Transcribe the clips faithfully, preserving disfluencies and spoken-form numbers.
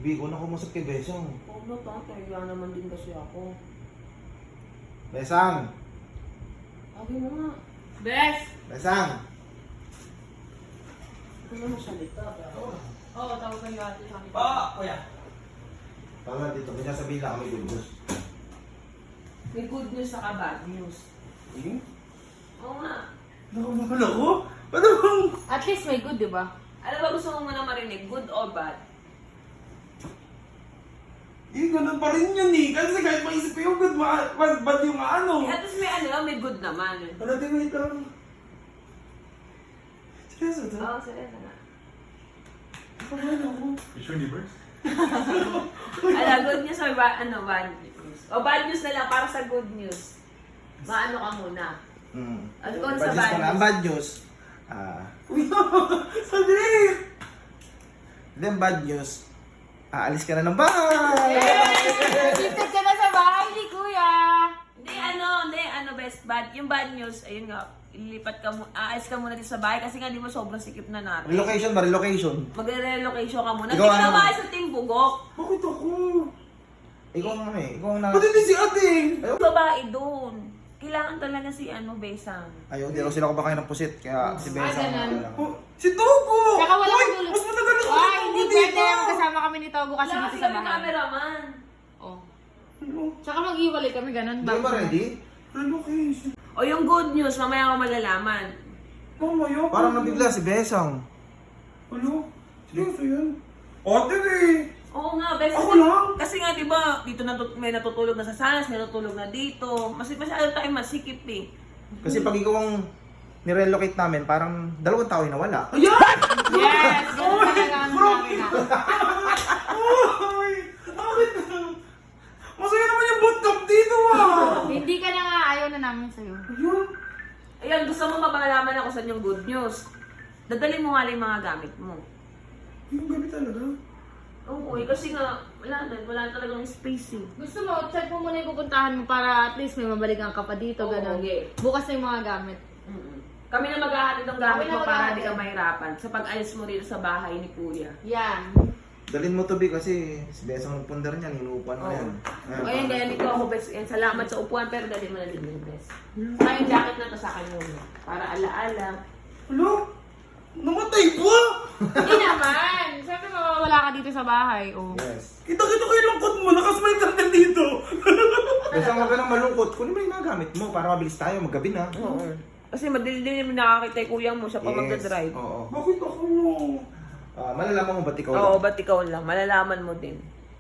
Bi, ko na kumusap kay Besang. Huwag na tatay, kaya naman din kasi ako. Besang! Sabi mo nga. Bes! Besang! Ito na masalita. Oo, oh, tawag kayo ate sa akin. Pa, kuya. Tama dito, may nasabihin lang kami good news. May good news saka bad news. Hmm? Oo nga. Nakamakan ako? Paano bang? At least may good, di ba? Ano ba gusto mo muna marinig? Good or bad? Eh, ganun pa rin yun eh. Kasi kahit maisip ko yung good, ma bad, bad yung ano. Eh, at least may ano, may good naman. Ano, di wait lang. Seryoso to? Oo, seryoso na. Nakamakan ako. Miss Universe? Ala, good news or ba, ano, bad news? O bad news na lang para sa good news. Maano ka muna. Hmm. Ano kung Bad sa news bad ka na. news? Ang bad news, ah, Kuya, sabi! then bad news, aalis ka na ng bahay! Gifted ka na sa bahay ni Kuya! Hindi, ano, hindi, ano, best bad. Yung bad news, ayun nga, ilipat ka mo, aalis ka muna dito sa bahay kasi nga di mo sobrang sikip na natin. Relocation ba? Relocation? Magre-relocation ka muna. Ikaw Hindi ka ano? na maalis sa Team Bugok. Bakit ako? Ikaw ang ano eh, ikaw ang na... Ba't hindi si ate? Babae doon. Kailangan talaga si ano, Besang. Ayaw, di raw sila kumakain ng pusit, kaya si Besang Ah, ganun. lang. Oh, si Togo! Saka wala Uy, kang tulog. mas matagal ako Ay, sa hindi Togo, pwede. diba? Magkasama kami ni Togo kasi Wala dito kasi sa kami bahay. cameraman. Oh. Ano? Tsaka mag-iwalay kami, ganun. Hindi ba ready? Relocation. O yung good news, mamaya ako malalaman. Mamaya. Parang nabigla si Besang. Ano? Seryoso yan? Ate eh! Oo nga, best. Ako lang? Kasi nga, di ba, dito natut may natutulog na sa salas, may natutulog na dito. Mas masyado tayo masikip eh. Kasi pag ikaw ang nirelocate namin, parang dalawang tao yung nawala. Ayan! Yes! Ganun talaga ang namin na. Uy! Bakit? Masaya naman yung bootcamp dito ah! Hindi ka na nga, ayaw na namin sa'yo. Ayun! Ayun, gusto mo mapangalaman ako sa yung good news. Dadalhin mo nga lang yung mga gamit mo. Yung gabi talaga. Oo, eh, kasi nga, wala na, wala na talagang space eh. Gusto mo, check mo muna yung pupuntahan mo para at least may mabalikan ka pa dito, Oo, ganun. okay. Bukas na yung mga gamit. Mm-mm. Kami na maghahatid ng gamit Kami na mo para maghahatid. hindi ka mahirapan sa pag-alis mo rito sa bahay ni Kuya. Yan. Dalhin mo to, Bi, kasi si Besang ng pundar niyan, inuupan mo Oo. yan. O ayun, kaya dito ako, best. Yan, salamat sa upuan, pero dali mo na din yung best. Saka yung jacket na to sa akin muna. Para alaala. Ano? Namatay ba? Hindi naman. Siyempre mawawala ka dito sa bahay. Oh. Yes. Kita-kita ko yung lungkot mo. Nakasmile ka na dito. Besang, huwag ka nang malungkot. Kunin mo yung mga gamit mo para mabilis tayo, maggabi na. Oo. Kasi madilim yung nakakita yung kuya mo, siya pa magdadrive. Oo. Bakit ako? Ah, malalaman mo ba't ikaw Oo, lang? ba't ikaw lang? Malalaman mo din.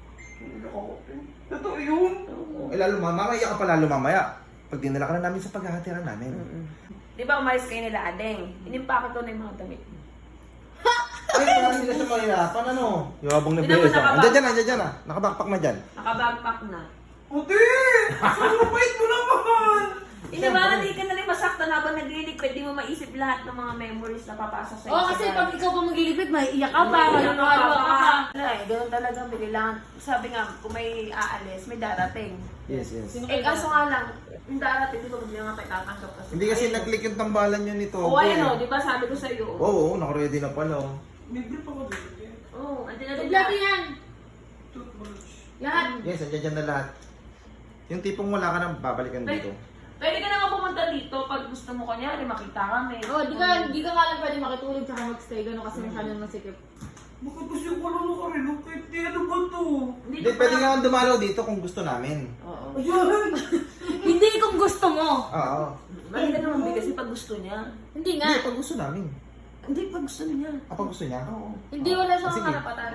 Totoo yun. Eh, lalo, mamaya ka pa lalo mamaya. Pag dinala ka na namin sa paghahatiran namin. Di ba umalis kayo nila, Adeng? Inimpake ko na yung mga damit mo. Ay, parang hindi na siya mahirapan, ano? Yabang na Hindi naman Besang. nakabag- Andiyan dyan, andiyan dyan ah. Nakabakpak na dyan. Nakabagpack na. Ate! Sobrang bait mo naman! Hindi ba, hindi ka na rin masaktan habang nagliliquid, di mo maisip lahat ng mga memories na papasok sa'yo. Oh, sa kasi bahay. pag ikaw pa maglilipid, may iyak ka pa, May maluluwa ano ka pa. Wala eh, ganun talaga, kailangan, sabi nga, kung may aalis, may darating. Yes, yes. Eh, kaso nga lang, yung darating, di ba, hindi nga tayo tatanggap kasi. Hindi kasi nag-click yung tambalan nyo nito. Oo, ayun o, di ba, sabi ko sa'yo. Oo, oo, naka-ready na pala. oh. May brief ako dito. Oo, andyan na din Kompleto yan. Toothbrush. Lahat. Yes, andyan dyan na lahat. Yung tipong wala ka nang babalikan dito. Pwede ka naman pumunta dito pag gusto mo kanyari, makita kami. Oh, di ka, di ka nga lang pwede makitulog tsaka magstay, gano'n kasi masyado masikip. Bakit kasi ako lang nakarelocate? Eh, ano ba to? Hindi, pwede nga dumalaw dito kung gusto namin. Oo. Ayan! Hindi kung gusto mo. Oo. Mali ka naman, Bi, kasi pag gusto niya. Hindi nga. Hindi, pag gusto namin. Hindi, pag gusto niya. Ah, pag gusto niya? Oo. Hindi wala siyang Sige. karapatan.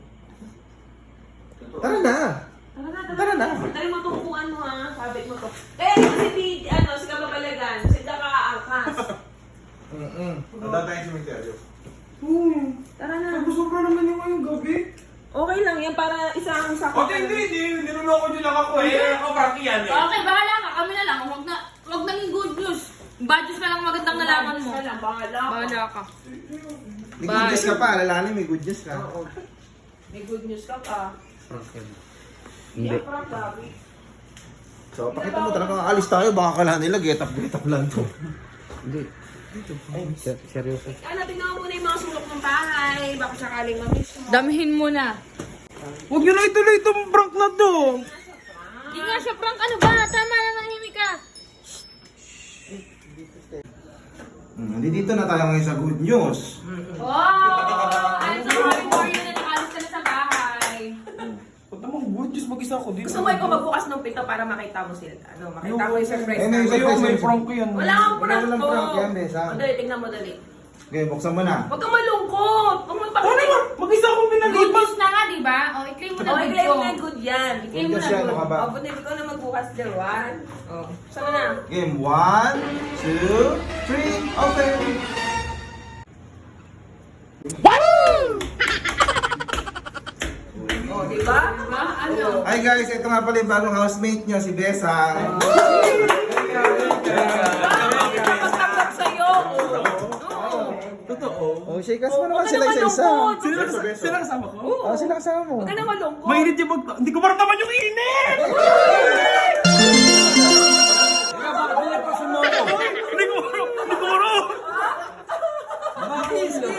Tara na! Tara na, Tara na. Tara mo itong upuan mo ha, sabit mo to. Eh, si B, ano, si Kababalagan, si Daka Angkas. Mm-mm. Handa tayong cemetery. Hmm. Tara na. Sobra naman yung ngayong gabi. Okay lang yan, para isang sakot. Ate, hindi, hindi. Niloloko niyo lang ako eh. Ako, Frankie yan eh. Okay, bahala ka. Kami na lang. Huwag na, huwag nang good news. Bad news na lang magandang nalaman mo. Bahala, bahala ka. Bahala ka. May good news ka pa, alalahanin may good news ka. Oo. May good news ka pa. Hindi. Yan, Frank, Gabi. So, pakita mo talaga alis tayo, baka kala nila get up, get up lang to. Hindi. Ay, ser- seryoso. Ano, tingnan mo muna yung mga sulok ng bahay. Baka sakaling mamiss mo. Damihin mo na. Huwag nyo na ituloy itong prank na to. Hindi nga siya prank. Ano ba? Tama na, nahimik ka. Hmm, dito na tayo ngayon sa good news. Wow! I'm so happy for you na nakalis ka na sa bahay. Ba't naman good news mag-isa ako dito? Gusto mo ikaw magbukas ng pinto para makita mo sila. Ano, makita mo yung surprise Eh, may namin. Ayaw, may prank ko yan. Wala kang prank Wala walang ko. prank yan, Besa. O, dali, tingnan mo, dali. Okay, buksan mo na. Huwag kang malungkot. Huwag mo Ano ipakita. ba? Mag-isa akong Good pinalipas. news na nga, di ba? O, i-claim mo na O, good i-claim ko. mo na good yan. I-claim mo Good na siya, good. ano ka ba? O, buti ikaw na magbukas, Jerwan. O, saan na? Game one, two, three, open! O, di ba? Diba? Ano? Hi guys, ito nga pala yung bagong housemate nyo, si Besa. Kapag-kapag sa'yo. Oo. Totoo. Oh, shake us mo Huwag naman ka sila na isa-isa. malungkot. Sila, sila kasama ko? Oh, sila kasama mo. Huwag ka na malungkot. Mainit yung mag... Hindi ko maramdaman yung init! Hindi ko siguro! Kiss mo.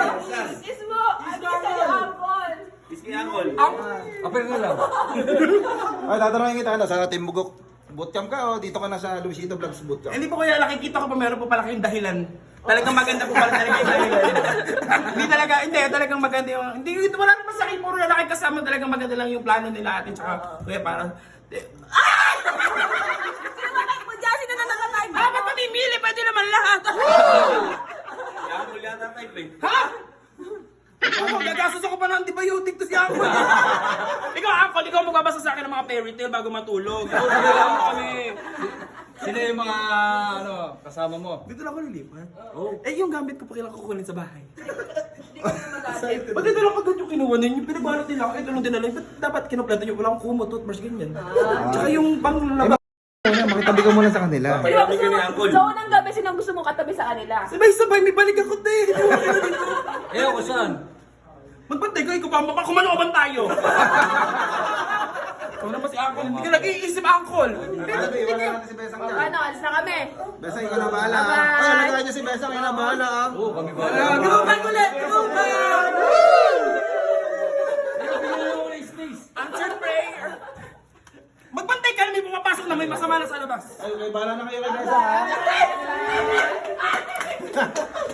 Ano sa'yo, Apple? Ay, tatanungin kita ano, sa Team Bugok Bootcamp ka o dito ka na sa Luisito Vlogs Bootcamp? Hindi po kaya nakikita ko pa meron po pala kayong dahilan. Talagang maganda po pala talaga yung dahilan. Hindi talaga, hindi, talagang maganda yung... Hindi, ito wala naman sa akin, puro lalaki kasama, talagang maganda lang yung plano nila atin. Tsaka, kuya, parang... Mo dyan, sino na nakatime? Ah, ba't mamimili? Pwede naman lahat. Ha? Ano, gagastos ako pa ng antibiotic to si Uncle. Ikaw, Uncle, ikaw magbabasa sa akin ng mga fairy tale bago matulog. Dito lang kami. Sino yung mga ano, kasama mo? Dito lang ako lilipat. Eh, yung gamit ko pa kailangan kukunin sa bahay. Ba't ito lang agad yung kinuha ninyo? Pinagbalot nila ako. Ito lang dinala. Ba't dapat kinumpleto nyo? Wala akong kumot, toothbrush, ganyan. Tsaka yung pang laba. Muna, makitabi ka muna sa kanila. Di ba gusto mo, sa unang gabi, sinong gusto mong katabi sa kanila? Sabay-sabay, may balik ako, te. Eh, ako saan? Magbantay ka, ikaw pa. Kumaluban tayo. Ikaw naman si Uncle. Hindi ka nag-iisip, Uncle. Tabi, wala natin si Besang O, dyan. ano, alis na kami. Besang, ikaw na bahala. ah. Bye-bye. Ay, alagaan niyo si Besang, ikaw na bahala. ah. Oo, kami ba? Gulungan ulit! Gulungan! Answer prayer! Magbantay ka na may pumapasok na may masama na sa labas. Ay, may bahala na kayo kay Besang, ha?